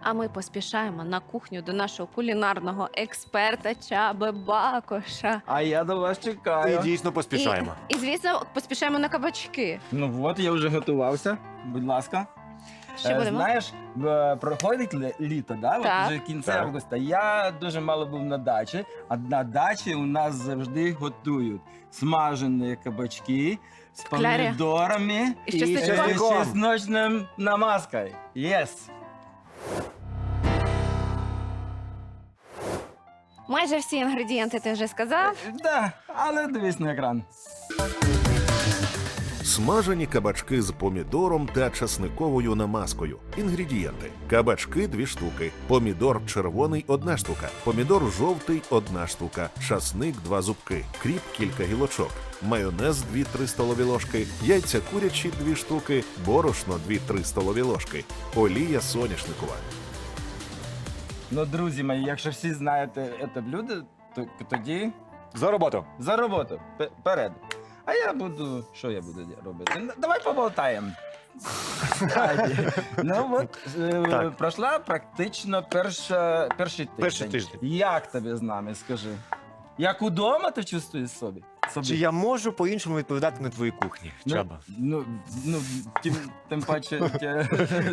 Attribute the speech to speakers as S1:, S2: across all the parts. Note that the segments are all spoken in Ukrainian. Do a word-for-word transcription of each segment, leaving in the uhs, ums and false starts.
S1: А ми поспішаємо на кухню до нашого кулінарного експерта Чаби Бакоша.
S2: А я до вас
S3: І
S2: чекаю.
S3: дійсно поспішаємо.
S1: І, і, звісно, поспішаємо на кабачки.
S2: Ну от, я вже готувався. Будь ласка.
S1: Що
S2: Е,
S1: будемо?
S2: Знаєш, е, проходить лі- літо, да?
S1: Так.
S2: От вже кінця
S3: Так.
S2: августа. Я дуже мало був на дачі, а на дачі у нас завжди готують смажені кабачки з
S1: Клярі.
S2: помідорами
S1: І з чесничком.
S2: з чесночним намазкою. Yes.
S1: Майже всі інгредієнти ти вже сказав.
S2: Да, але дивись на екран.
S4: Смажені кабачки з помідором та часниковою намазкою. Інгредієнти: кабачки дві штуки, помідор червоний одна штука, помідор жовтий одна штука, часник два зубки, кріп кілька гілочок, майонез дві-три столові ложки, яйця курячі дві штуки, борошно дві-три столові ложки, олія соняшникова.
S2: Ну, друзі мої, якщо всі знаєте це блюдо, то тоді
S3: За роботу.
S2: за роботу. П- Перед. А я буду. Що я буду робити? Ну, давай поболтаємо. Давайте. Ну от е,
S3: Так.
S2: пройшла практично перша, перший тиждень.
S3: Перший тиждень.
S2: Як тобі з нами, скажи? Як удома ти чувствуєш собі? собі?
S3: Чи я можу по-іншому відповідати на твоїй кухні,
S2: Ну,
S3: Чаба?
S2: Ну, ну тим, тим паче. тя-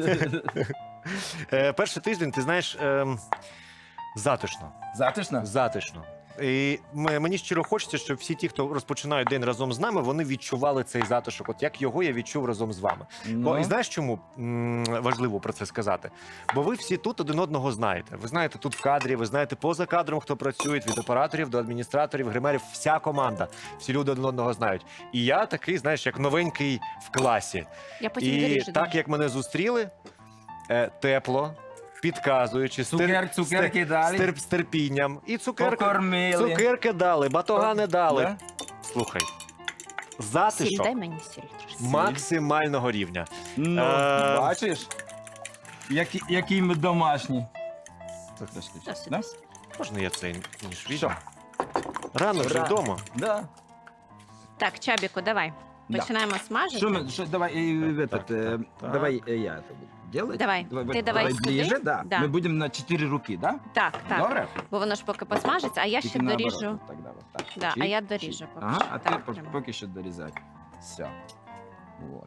S3: Е, перший тиждень, ти знаєш, ем, затишно.
S2: Затишно?
S3: Затишно. І м- мені щиро хочеться, щоб всі ті, хто розпочинають день разом з нами, вони відчували цей затишок, от як його я відчув разом з вами. Бо і знаєш, чому м, важливо про це сказати? Бо ви всі тут один одного знаєте. Ви знаєте тут в кадрі, ви знаєте поза кадром, хто працює, від операторів до адміністраторів, гримерів, вся команда. Всі люди один одного знають. І я такий, знаєш, як новенький в класі.
S1: Я потім
S3: І
S1: доріжу.
S3: так як мене зустріли, е, тепло, підказуючи, з тер-
S2: Цукер, цукерки
S3: з,
S2: далі.
S3: тер- з терпінням. І цукерки,
S2: Покормили.
S3: цукерки дали, батогани дали.
S2: Да?
S3: Слухай,
S1: Сіль,
S3: затишок
S1: дай мені сіль трошки.
S3: максимального рівня.
S2: Ну,
S3: Е,
S2: бачиш? Які, які ми домашні. Це трошки.
S1: Досить,
S2: Да?
S1: досить.
S3: Можна я цей ніж
S2: Що?
S3: візьму? Рано вже
S2: Рано.
S3: вдома.
S2: Да.
S1: Так, Чабіку, давай.
S2: Да.
S1: Починаємо смажити.
S2: Що ми, що, давай, э, в
S3: Так,
S2: этот, э,
S3: так, так.
S2: давай э, я это буду делать.
S1: Давай. Ти давай сюди.
S2: ближе, да.
S1: Да.
S2: Мы будем на четыре руки, да?
S1: Так, так.
S2: Добре?
S1: Бо воно ж поки посмажиться, а я ще
S2: Тільки наоборот,
S1: доріжу.
S2: от Тогда вот так.
S1: Да, а
S2: Чик,
S1: я
S2: чик.
S1: доріжу поки
S2: Ага,
S1: що.
S2: а
S1: Так,
S2: ти по-
S1: прямо.
S2: поки що дорізай. Все. Вот.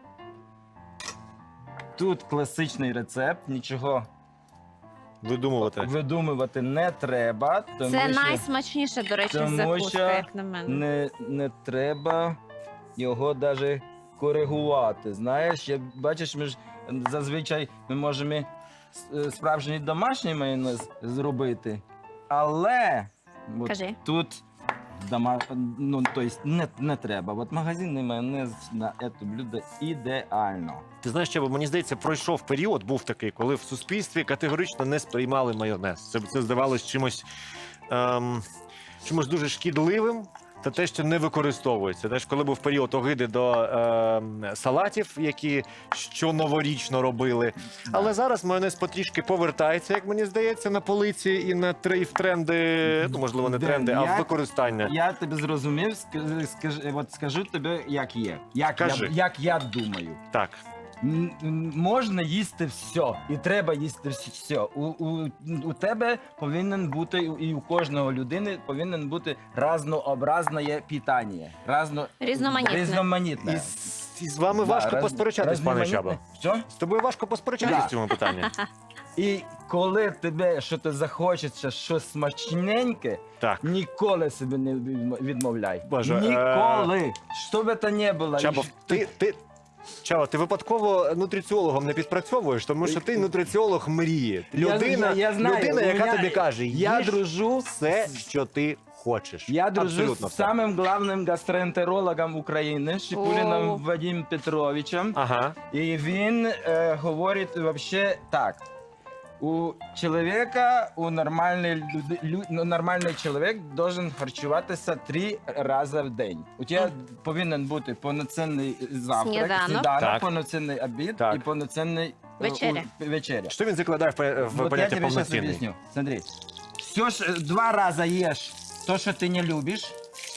S2: Тут класичний рецепт, нічого
S3: Видумувати.
S2: видумувати не треба. Тому
S1: Це
S2: що
S1: найсмачніша, до речі,
S2: тому
S1: закуска,
S2: що
S1: як на мене.
S2: не, не треба його навіть коригувати. Знаєш, як бачиш, ми ж зазвичай ми можемо с- справжній домашній майонез зробити, але от
S1: Кажи.
S2: тут дома, ну, то есть не, не треба. От магазинний майонез на це блюдо ідеально.
S3: Ти знаєш, що мені здається, пройшов період, був такий, коли в суспільстві категорично не сприймали майонез. Це, це здавалось чимось, ем, чимось дуже шкідливим. Та те, що не використовується. Знаєш, коли був період огиди до ем, салатів, які що новорічно робили. Але зараз майонез потрішки повертається, як мені здається, на полиці і на тр- і в тренди, ну можливо, не
S2: Де
S3: тренди, а
S2: я-
S3: в використання.
S2: Я тебе зрозумів, скажи, скажи, от скажу тобі, як є. Як, я,
S3: Кажи.
S2: як я думаю.
S3: Так.
S2: М, м, Можна їсти все, і треба їсти все. У, у, у тебе повинен бути, і у кожного людини повинен бути разнообразне питання. Разно...
S1: Різноманітне.
S2: Різноманітне.
S3: І, з- і з вами
S2: Да,
S3: важко
S2: раз-
S3: посперечатись, пане
S2: різноманітне.
S3: Чабо.
S2: Що?
S3: З тобою важко посперечатись
S2: Да.
S3: в цьому питанні.
S2: І коли тебе щось захочеться, щось смачненьке,
S3: Так.
S2: ніколи собі не відмо- відмовляй.
S3: Боже, е,
S2: Ніколи. Що би то не було.
S3: Чабо,
S2: І
S3: ти, ти, Чао, ти випадково нутриціологом не підпрацьовуєш, тому що ти нутриціолог мрії.
S2: Я-
S3: Людина,
S2: я- я знаю,
S3: людина
S2: у
S3: яка
S2: мене-
S3: тобі каже,
S2: я
S3: їж
S2: дружу
S3: все,
S2: з-
S3: що ти хочеш.
S2: Я дружу
S3: Абсолютно
S2: з
S3: все.
S2: самим главним гастроентерологом України Шипуліном
S1: О.
S2: Вадимом Петровичем.
S3: Ага.
S2: І він е, говорить вообще так. У чоловіка, у нормальний, люди, лю, ну, нормальний чоловік должен харчуватися три рази в день. У тебе повинен бути повноцінний завтрак,
S1: Сніданок.
S2: сніданок,
S3: Так.
S2: повноцінний обід
S3: Так.
S2: і повноцінний е,
S1: Вечеря.
S2: у- вечеря.
S3: Що він закладає в, пе- в
S2: Вот я
S3: поняття
S2: тебе сейчас
S3: повноцінний?
S2: объясню. Смотри. Все ж, два раза ешь то, что ты не любишь.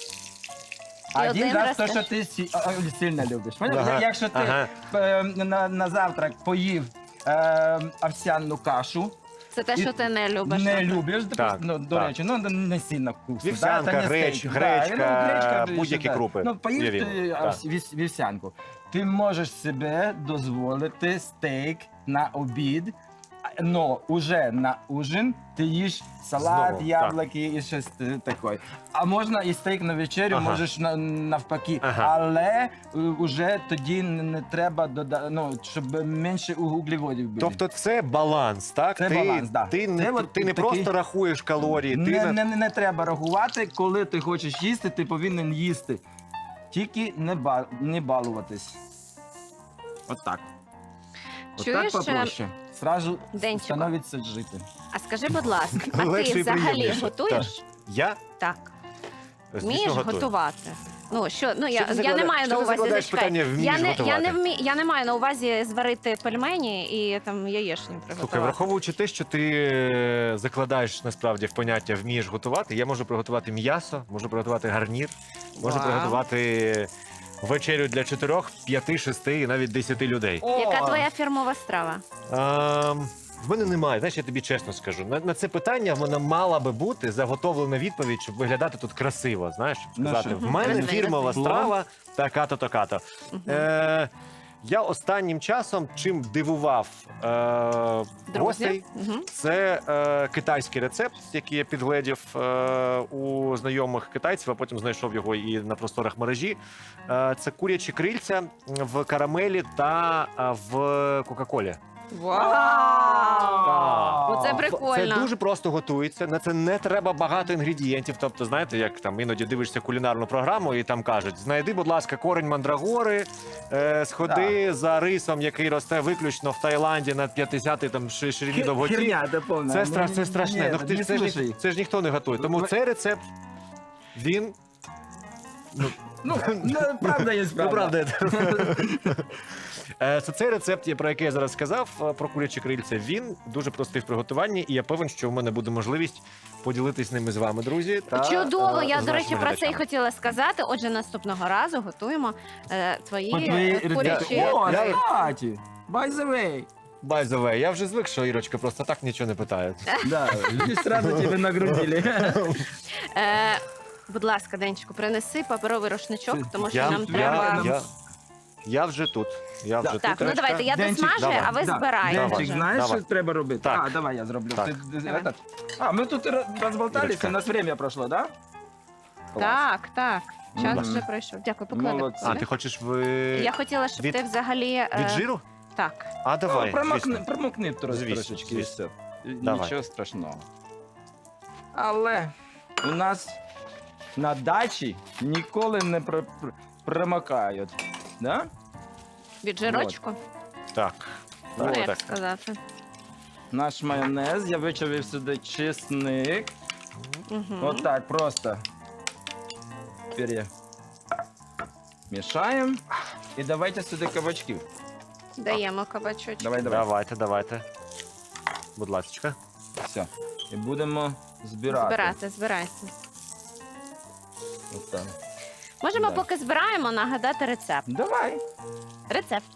S1: І
S2: Один
S1: один
S2: раз
S1: раз
S2: то,
S1: теж.
S2: що ти сі- а, а, сильно любиш. Поняв?
S3: Ага,
S2: Якщо ти
S3: ага.
S2: е, на, на завтрак поїв е, овсяну кашу.
S1: Це те,
S2: І
S1: що ти не любиш.
S2: Не
S1: так?
S2: любиш,
S3: Так,
S2: ну, до
S3: так.
S2: речі, ну не сильно вкусно.
S3: Вівсянка,
S2: да? Це не
S3: греч-
S2: стейк.
S3: гречка,
S2: Да, ну, гречка,
S3: будь-які
S2: да.
S3: крупи.
S2: Ну, поїв
S3: Уявімо,
S2: ти
S3: так.
S2: овс- віс- вівсянку. Ти можеш себе дозволити стейк на обід, но уже на ужин ти їш салат,
S3: Знову,
S2: яблуки і щось е, таке. А можна і стейк на вечерю,
S3: Ага.
S2: можеш на, навпаки.
S3: Ага.
S2: Але е, уже тоді не, не треба додати, ну, щоб менше углеводів було.
S3: Тобто це баланс, так?
S2: Це
S3: ти,
S2: баланс, да.
S3: ти не,
S2: Це от
S3: ти не
S2: такий-
S3: просто рахуєш калорії, ти
S2: Не,
S3: на-
S2: не, не, не треба рахувати, коли ти хочеш їсти, ти повинен їсти. Тільки не, ба, не балуватись. От так. От
S1: Чуєш,
S2: так попроще. Сразу
S1: Денчику?
S2: становиться жити.
S1: А скажи, будь ласка, а
S3: Легше
S1: ти
S3: і
S1: взагалі
S3: приємніше.
S1: готуєш?
S3: я
S1: Так.
S3: звісно,
S1: Вмієш
S3: готую.
S1: готувати? Ну, що, ну, я,
S3: Що ти
S1: я не
S3: заклада-
S1: маю
S3: що
S1: на
S3: ти
S1: увазі,
S3: закладаєш
S1: зачекай.
S3: питання «вмієш
S1: я, не, я,
S3: готувати»?
S1: не вмі, я не маю на увазі зварити пельмені і там яєчні
S3: Слухай,
S1: приготувати.
S3: враховуючи те, що ти е, закладаєш насправді в поняття вмієш готувати, я можу приготувати м'ясо, можу приготувати гарнір, можу
S1: Вау.
S3: приготувати вечерю для чотирьох, п'яти, шести і навіть десяти людей.
S1: Яка
S2: О!
S1: твоя фірмова страва?
S3: А, в мене немає, знаєш, я тобі чесно скажу. На, на це питання в мене мала би бути заготовлена відповідь, щоб виглядати тут красиво. Знаєш, щоб
S2: Ну,
S3: сказати,
S2: що?
S3: в мене
S1: Красиво.
S3: фірмова
S2: Плов.
S3: страва така-то, така-то. Е, я останнім часом чим дивував е, гостей,
S1: Друзі? Угу.
S3: це е, китайський рецепт, який я підгледів е, у знайомих китайців, а потім знайшов його і на просторах мережі. Е, це курячі крильця в карамелі та е, в Кока-Колі.
S1: Вау! Оце прикольно.
S3: Це дуже просто готується. На це не треба багато інгредієнтів. Тобто, знаєте, як там іноді дивишся кулінарну програму, і там кажуть: знайди, будь ласка, корень мандрагори, е, сходи за рисом, який росте виключно в Таїланді на п'ятдесятій там ши- ширині довготі.
S2: Херня, це повна.
S3: Це,
S2: Ну,
S3: стра... це страшне.
S2: ні,
S3: Ну, ти,
S2: не
S3: ж- це, ж, ні-
S2: слушай.
S3: це ж ніхто не готує. Тому
S2: Ви-
S3: цей рецепт, він.
S2: Ну, ну, правда є
S3: Ну,
S2: правда.
S3: правда. Е, Це цей рецепт, про який я зараз сказав, е, про курячі крильця. Він дуже простий в приготуванні, і я певен, що в мене буде можливість поділитись ними з вами, друзі. Та,
S1: Чудово,
S3: е,
S1: я,
S3: з
S1: до речі,
S3: нашими
S1: про це і
S3: глядачами.
S1: хотіла сказати. Отже, наступного разу готуємо е, твої
S2: По твоїй
S1: е, курячі.
S3: Я-
S2: О,
S3: я-
S2: кстати, by the way.
S3: By the way, я вже звик, що Ірочка просто так нічого не питає.
S2: Да, люди сразу тебе нагрузили.
S1: Е, будь ласка, Денчику, принеси паперовий рушничок, тому що
S3: Я,
S1: нам
S2: я-
S1: треба.
S3: я, я, я вже тут. Я вже
S2: Да.
S3: тут.
S1: Так, ну
S3: Ірочка.
S1: давайте, я
S2: Денчик,
S1: досмажу,
S3: давай.
S1: а ви
S2: Да,
S1: збирайте.
S2: Денчик,
S3: Давай.
S2: знаєш,
S3: Давай.
S2: що треба робити?
S3: Так.
S2: А, давай я зроблю.
S3: Так.
S2: Ти- ти-
S1: Давай.
S2: этот. А, ми тут р- розболталися,
S3: Ірочка.
S2: у нас время пройшло, да?
S1: Так, так. Час
S2: Мгм.
S1: вже пройшов. Дякую, поклади.
S2: Молодці.
S3: А, ти хочеш в...
S1: Я хотіла, щоб
S3: від-
S1: ти взагалі. е,
S3: від жиру?
S1: Так.
S3: А, давай.
S2: Ну, промокни,
S3: звісно.
S2: промокни тро-
S3: Звісно,
S2: трошечки і
S3: звісно.
S2: все.
S3: Давай.
S2: Нічого страшного. Але у нас на дачі ніколи не пр- пр- промокають. Да?
S1: Від жирочку,
S3: Так.
S1: ну,
S3: Так,
S1: як
S3: так.
S1: сказати.
S2: Наш майонез, я вичавив сюди чесник.
S1: Мгм.
S2: Вот так просто. Перемішаємо. І давайте сюди кабачків.
S1: Даємо кабачочок.
S2: Давай, давай.
S3: Давайте, давайте. Будь ласка.
S2: Все. І будемо збирати.
S1: Збирати, збирайте.
S2: От так.
S1: Можемо,
S2: Да.
S1: поки збираємо, нагадати рецепт.
S2: Давай.
S1: Рецепт.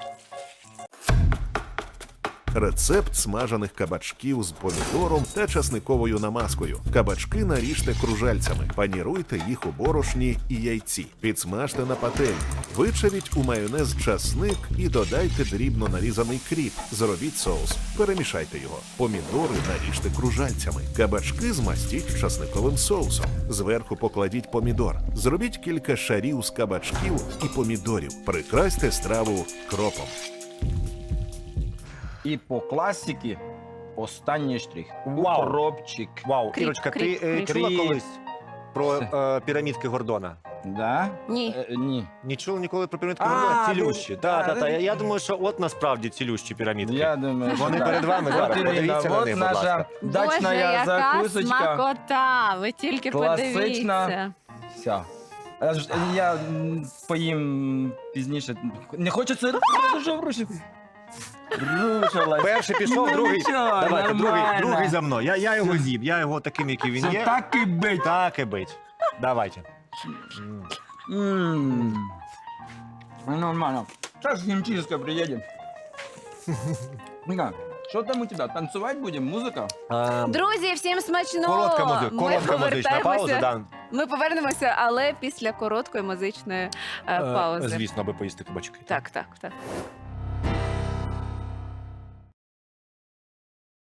S4: Рецепт смажених кабачків з помідором та часниковою намазкою. Кабачки наріжте кружальцями, паніруйте їх у борошні і яйці. Підсмажте на пательні. Вичавіть у майонез часник і додайте дрібно нарізаний кріп. Зробіть соус. Перемішайте його. Помідори наріжте кружальцями. Кабачки змастіть часниковим соусом. Зверху покладіть помідор. Зробіть кілька шарів з кабачків і помідорів. Прикрасьте страву кропом.
S2: І по класіки останній штрих.
S3: Вау.
S2: Укропчик.
S3: Вау,
S1: Кріп,
S3: Ірочка,
S1: кріп,
S3: ти е,
S1: кріп.
S3: чула
S2: Кріп.
S3: колись про е, пірамідки Гордона?
S2: Да?
S1: Ні.
S2: Е, ні.
S3: Не чула ніколи про пірамідки
S2: А,
S3: Гордона?
S2: ну,
S3: Цілющі.
S2: а,
S3: Так, так,
S2: ну,
S3: так. Я, я думаю, що от насправді цілющі пірамідки.
S2: Я думаю, що
S3: Вони
S2: так.
S3: перед вами
S2: От,
S3: зараз.
S2: Ірина,
S3: Подивіться на
S2: от
S3: них, будь
S2: наша
S3: ласка.
S2: дачна
S1: Боже, яка
S2: закусочка.
S1: смакота! Ви тільки
S2: Класична.
S1: подивіться.
S2: Все. Я, ж- я м, поїм пізніше. Не хочеться дуже врушити. Рушилась.
S3: Перший пішов,
S2: Ну,
S3: другий.
S2: нічого,
S3: Давайте, другий,
S2: нормально.
S3: другий за мною. Я, я його з'їм, я його таким, який він
S2: Це
S3: є.
S2: так і бить.
S3: Так і бить. Давайте. М.
S2: М. Ну, нормально. Сейчас химчистка приедем. Ніна, що там у тебе? Танцювати будемо? Музика?
S3: Ем,
S1: Друзі, всім смачного!
S3: Коротка музика,
S1: Ми
S3: коротка музична пауза.
S1: повертаємося-
S3: Да.
S1: Ми повернемося, але після короткої музичної е,
S3: Е,
S1: паузи.
S3: Звісно, аби поїсти кабачки.
S1: Так, так, так.